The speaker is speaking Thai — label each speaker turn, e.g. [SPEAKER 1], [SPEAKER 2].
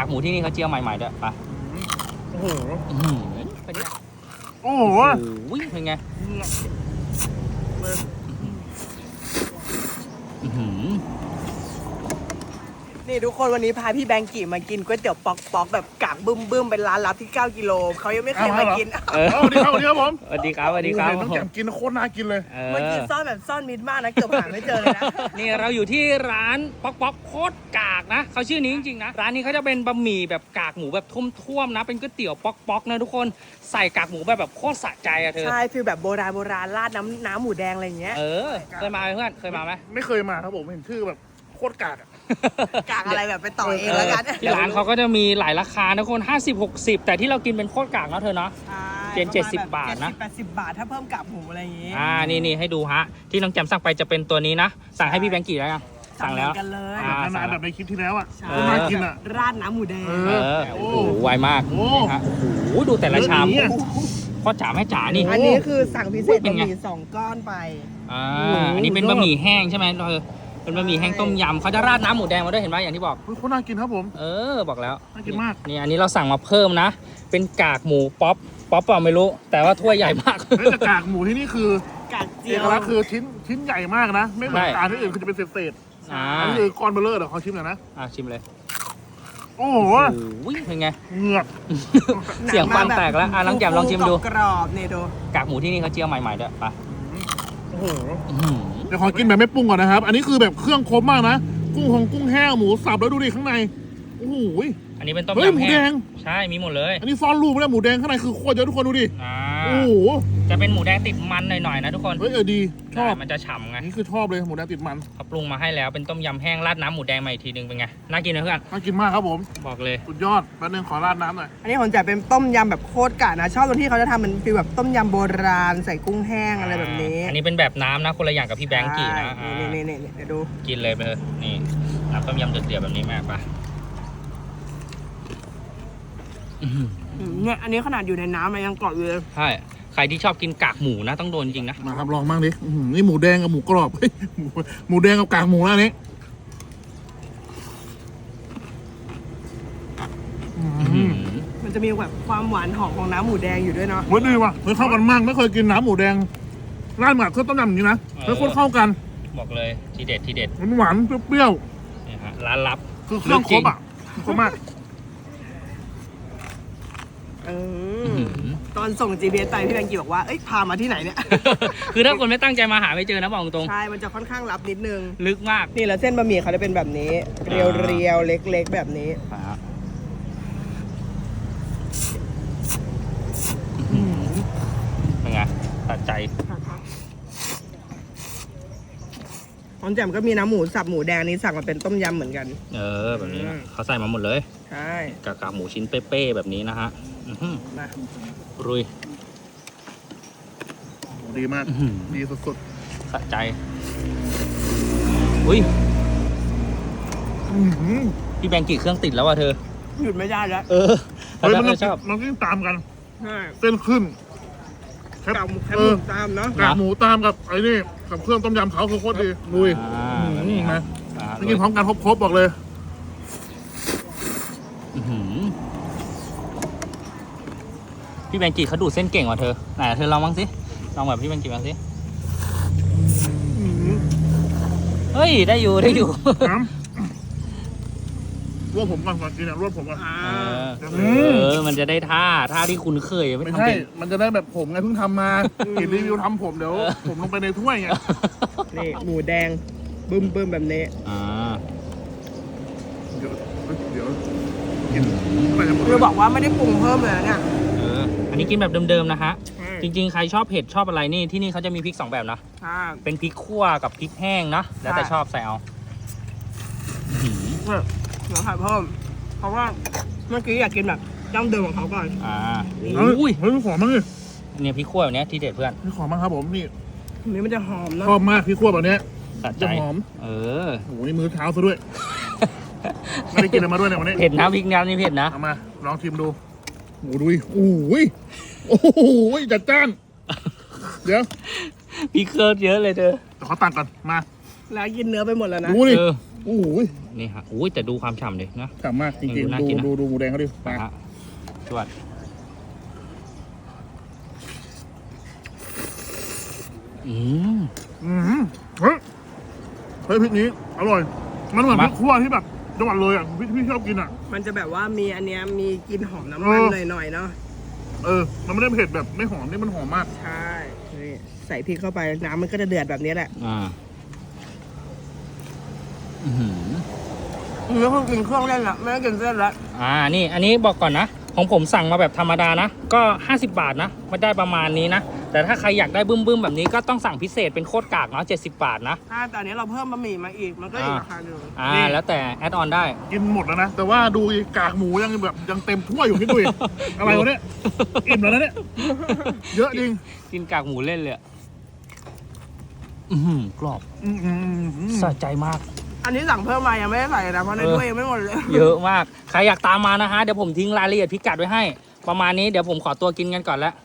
[SPEAKER 1] ากหมูที่นี่เขาเจียวใหม่ๆด้วยไป
[SPEAKER 2] โอ้โห
[SPEAKER 1] เป็นไง
[SPEAKER 2] โอ้โห
[SPEAKER 1] เป็นไง
[SPEAKER 3] นี่ทุกคนวันนี้พาพี่แบงกี้มากินก๋วยเตี๋ยวปอกแบบกากบึ้มเป็นร้านลับที่9 กิโลเขายังไม่เคยมากิน
[SPEAKER 2] สวัสดีครับผม
[SPEAKER 1] สวัสดีครับ
[SPEAKER 2] ต้องแกมกินโคตรน่ากินเลย
[SPEAKER 3] มันกินซ่อนแบบซ่อนมิดมากนะเกือบหาไม่เจอเลยนะ
[SPEAKER 1] นี่เราอยู่ที่ร้านป๊อกโคตรกากนะเขาชื่อนี้จริงๆนะร้านนี้เขาจะเป็นบะหมี่แบบกากหมูแบบท่วมๆนะเป็นก๋วยเตี๋ยวป๊อกนะทุกคนใส่กากหมูแบบโคตรสะใจอะเธอ
[SPEAKER 3] ใช่ฟีลแบบโบราณราดน้ำหมูแดงอะไรอย่างเงี้ย
[SPEAKER 1] เคยมาไหมเพื่อนเคยมาไหม
[SPEAKER 2] ไม่เคยมาครับผมเห็นชื่อแบบโคตรกาก
[SPEAKER 3] กากอะไรแบบไปต่อเองแล้วกัน
[SPEAKER 1] ที่ร้านเขาก็จะมีหลายราคานะคน50-60แต่ที่เรากินเป็นโคตรกากนะเธอเนาะเป็น70 บาทนะ
[SPEAKER 3] 80 บาทถ้าเพิ่มกากหมูอะไรอย่างงี้
[SPEAKER 1] นี่ให้ดูฮะที่น้องแจมสั่งไปจะเป็นตัวนี้นะสั่งให้พี่แบงกี้แล้วยังสั่งแล้ว
[SPEAKER 3] กันเลย
[SPEAKER 2] นานแบบในคลิปที่แล้วอ่ะ
[SPEAKER 3] น่ากินอ่ะราดน้ำหมูแดง
[SPEAKER 1] โอ้โหไวมากนี่ฮะโอ้โหดูแต่ละชามพ่อจ๋าแม่จ๋านี่
[SPEAKER 3] อันนี้คือสั่งพิเศษบะหมี่2 ก้อนไป
[SPEAKER 1] อันนี้เป็นบะหมี่แห้งใช่ไหมเป็นบะหมี่แห้งต้มยำเขาจะราดน้ำหมูแดงมาด้วยเห็นไหมอย่างที่บอก
[SPEAKER 2] โคตรน่ากินครับผม
[SPEAKER 1] บอกแล้ว
[SPEAKER 2] น่ากินมาก
[SPEAKER 1] นี่อันนี้เราสั่งมาเพิ่มนะเป็นกากหมูป๊อปเปล่าไม่รู้แต่ว่าถ้วยใหญ่มาก
[SPEAKER 2] แต่กากหมูที่นี่คือก
[SPEAKER 3] ากเจียว
[SPEAKER 2] คือชิ้นใหญ่มากนะไม่เหมือนกากที่อื่นคือจะเป็นเศษอันนี้คือก้อนเบลเลอร์เดี๋ยวเขาชิมหน่อยนะ
[SPEAKER 1] ชิมเลย
[SPEAKER 2] โอ้โห
[SPEAKER 1] เป็นไง
[SPEAKER 2] เหงือก
[SPEAKER 1] เสียงฟันแตกแล้วน้องแจมลองชิมดู
[SPEAKER 3] กรอบเนี่ยดู
[SPEAKER 1] กากหมูที่นี่เขาเจียวใหม่ๆด้วยไป
[SPEAKER 2] โอ้โหเดี๋ยวขอกินแบบไม่ปรุงก่อนนะครับอันนี้คือแบบเครื่องครบมากนะกุ้งแห้งหมูสับแล้วดูดิข้างในโอ้โห
[SPEAKER 1] อันนี้เป็นต้มยำ
[SPEAKER 2] หมูแดง
[SPEAKER 1] ใช่มีหมดเลย
[SPEAKER 2] อันนี้ซ่อนรูปไม่ได้หมูแดงข้างในคือโคตรเยอะทุกคนดูดิโอ้โห
[SPEAKER 1] จะเป็นหมูแดงติดมันหน่อยๆนะทุกคน
[SPEAKER 2] ดีชอบ
[SPEAKER 1] มันจะฉ่ำไง
[SPEAKER 2] นี่คือชอบเลยหมูแดงติดมัน
[SPEAKER 1] เขาปรุงมาให้แล้วเป็นต้มยำแห้งราดน้ำหมูแดงมาอีกทีนึงเป็นไงน่ากินนะเพื่อน
[SPEAKER 2] น่ากินมากครับผม
[SPEAKER 1] บอกเลย
[SPEAKER 2] สุดยอดแป๊บนึงขอราดน้ำหน่อย
[SPEAKER 3] อันนี้ผมจะเป็นต้มยำแบบโคตรกะนะชอบตรงที่เขาจะทำเป็นฟีลแบบต้มยำโบราณใส่กุ้งแห้งอะไรแบบนี้
[SPEAKER 1] อันนี้เป็นแบบน้ำนะคนละอย่างกับพี่แบงค์กี้นะ
[SPEAKER 3] นี่เดี๋ยวดู
[SPEAKER 1] กินเลยไปเลยนี่น้ำต้มยำเดือดๆแบบนี้แม่ปะ
[SPEAKER 3] เนี่ยอันนี้ขนาดอยู่ในน้ำมันยังกรอบอยู่เลย
[SPEAKER 1] ใช่ใครที่ชอบกินกากหมูนะต้องโดนจริงนะ
[SPEAKER 2] มาครับลองบ้างดินี่หมูแดงกับหมูกรอบหมูแดงกับกากหมูแล้วนี้
[SPEAKER 3] มันจะมีแบบความหวานหอมของน้ำหมูแดงอยู่ด้วยเนาะ
[SPEAKER 2] เฮ้ยดีว่ะเฮ้ยเข้ากันมากไม่เคยกินน้ำหมูแดงราดหมักเครื่องต้มยำอย่างนี้นะเฮ้ยโคตรเข้ากัน
[SPEAKER 1] บอกเลยทีเด็ด
[SPEAKER 2] หวานเปรี้ยว
[SPEAKER 1] นี่ฮะร้านลับ
[SPEAKER 2] คือเครื่องครบอ่ะครบมาก
[SPEAKER 3] ตอนส่ง GPS ไปพี่แบงกี้บอกว่าเอ้ยพามาที่ไหนเนี่ย
[SPEAKER 1] คือถ้าคนไม่ตั้งใจมาหาไม่เจอนะบอกตรง
[SPEAKER 3] ใช่มันจะค่อนข้างลับนิดนึง
[SPEAKER 1] ลึกมาก
[SPEAKER 3] นี่แล้วเส้นบะหมี่เขาจะเป็นแบบนี้เรียวๆเล็กๆแบบนี้
[SPEAKER 1] เป็นไงตัดใจ
[SPEAKER 3] ของแจ่มก็มีน้ำหมูสับหมูแดงนี้สั่งมาเป็นต้มยำเหมือนกัน
[SPEAKER 1] แบบนี้เขาใส่มาหมดเลย
[SPEAKER 3] ใช่
[SPEAKER 1] กากหมูชิ้นเป๊ะๆแบบนี้นะฮะ
[SPEAKER 3] มา
[SPEAKER 1] รุย
[SPEAKER 2] ดีมากดีสุด
[SPEAKER 1] ๆสะใจอุ้ยพี่แบงกี้เครื่องติดแล้วว่ะเธอ
[SPEAKER 3] หยุดไม่ได้แล้ว
[SPEAKER 2] เฮ้ยมันชอบมันก็ตามกันเส้นขึ้น
[SPEAKER 3] กากหมูตามเนาะ
[SPEAKER 2] กากหมูตามกับไอ้นี่กับเครื่องต้มยำเขาคือโคตรดีลุยนี่นะกินพร้อมกันครบบอกเลย
[SPEAKER 1] พี่แบงกี้เขาดูดเส้นเก่งกว่าเธอไหนเธอลองบ้างสิลองแบบพี่แบงกี้บ้างสิเฮ้ยได้อยู่
[SPEAKER 2] รวบผมก่อนกินรวบผมก่อน
[SPEAKER 1] มันจะได้ท่าที่คุณเคย
[SPEAKER 2] ไม่ใช่มันจะได้แบบผมไงเพิ่งทำมาเห็นรีวิวทำผมเดี๋ยวผมลงไปในถ้วยไง
[SPEAKER 3] นี่หมูแดงบึ้มแบบนี้
[SPEAKER 2] เดี๋ยวกิน
[SPEAKER 3] เราบอกว่าไม่ได้ปรุงเพิ่มเลยเนี่ย
[SPEAKER 1] อันนี้กินแบบเดิมๆนะฮะจริงๆใครชอบเผ็ดชอบอะไรนี่ที่นี่เขาจะมีพริก2แบบนะเป็นพริกขั่วกับพริกแห้งนะแล้วแต่ชอบใส่เอา
[SPEAKER 3] เดี๋ยวใส่เพิ่มเพราะว่าเมื่อกี้อยากกินแบบดั้งเดิมของเขาก่อน
[SPEAKER 2] อุ้ยเฮ้ยขอมั้งเลย
[SPEAKER 1] เนี่ยพริกขั่วแบบนี้ที่เด็ดเพื่อน
[SPEAKER 2] นี่ขอมั้งครับผมนี่
[SPEAKER 3] นี้มันจะหอมนะ
[SPEAKER 2] ชอบมากพริกขั่วแบบนี้
[SPEAKER 1] จะ
[SPEAKER 2] หอม
[SPEAKER 1] โอ้
[SPEAKER 2] โหนี่มือเท้าซะด้วยไม่ได้กินอะไรมาด้วยเนี่ยวันนี้
[SPEAKER 1] เผ็ดนะพริกน้ำนี่เผ็ดนะ
[SPEAKER 2] เอามาลองชิมดูโอ้ดูโอ้โหจัดจ้านเดี๋ยว
[SPEAKER 1] พริกเคิร์ดเยอะเลยเธอ
[SPEAKER 2] แต่เขาตักก่อนมา
[SPEAKER 3] แล้วกินเนื้อไปหมดแล้วนะ
[SPEAKER 2] ดูดิโอ้โห
[SPEAKER 1] นี่ฮะอุ้ยแต่ดูความฉ่ำดินะ
[SPEAKER 2] ฉ่ำมากจริง
[SPEAKER 1] ดูน่ากินนะ
[SPEAKER 2] ๆดูหมูแดงเขาดิไป
[SPEAKER 1] นะฮะจวดอืม
[SPEAKER 2] เฮ้ยพริกนี้อร่อย มันเหมือนพริกขั่วที่แบบจังหวัดเลยอ่ะพี่ชอบกินอ่ะ
[SPEAKER 3] มันจะแบบว่ามีอันเนี้ยมีกลิ่นหอมน้ำมันหน่อยๆเนาะ
[SPEAKER 2] มันไม่ได้เผ็ดแบบไม่หอมนี่มันหอมมาก
[SPEAKER 3] ใช่นี่ใส่พริกเข้าไปน้ำมันก็จะเดือดแบบนี้แหละ
[SPEAKER 1] อื้อหือ
[SPEAKER 3] นี่คือกินเครื่องเล่นละไม่ได้กินเส้นละ
[SPEAKER 1] นี่อันนี้บอกก่อนนะ ของผมสั่งมาแบบธรรมดานะ ก็ 50 บาทนะมันได้ประมาณนี้นะ แต่ถ้าใครอยากได้บึ้มๆแบบนี้ก็ต้องสั่งพิเศษเป็นโคตรกากเนาะ70 บาทนะ
[SPEAKER 3] แต่อันนี้เราเพิ่มบะหมี่มาอีกมันก็อีกราคาหนึ่ง
[SPEAKER 2] นี่
[SPEAKER 1] แล้วแต่แอดออนได้
[SPEAKER 2] กินหมดแล้วนะ แต่ว่าดูอีกกากหมูยังแบบยังเต็มถ้วยอยู่คิดดูอีก อะไรวะเนี่ยอิ่มแล้วนะเนี่ยเยอะจริง
[SPEAKER 1] กินกากหมูเล่นเลยอะอื้อหือกรอบสะใจมาก
[SPEAKER 3] อันนี้สั่งเพิ่มมายังไม่ได้ใส่นะเพราะในถ้วยยังไม่หมดเลย
[SPEAKER 1] เยอะมาก ใครอยากตามมานะฮะ เดี๋ยวผมทิ้งรายละเอียดพิกัดไว้ให้ ประมาณนี้เดี๋ยวผมขอตัวกินกันก่อนแล้ว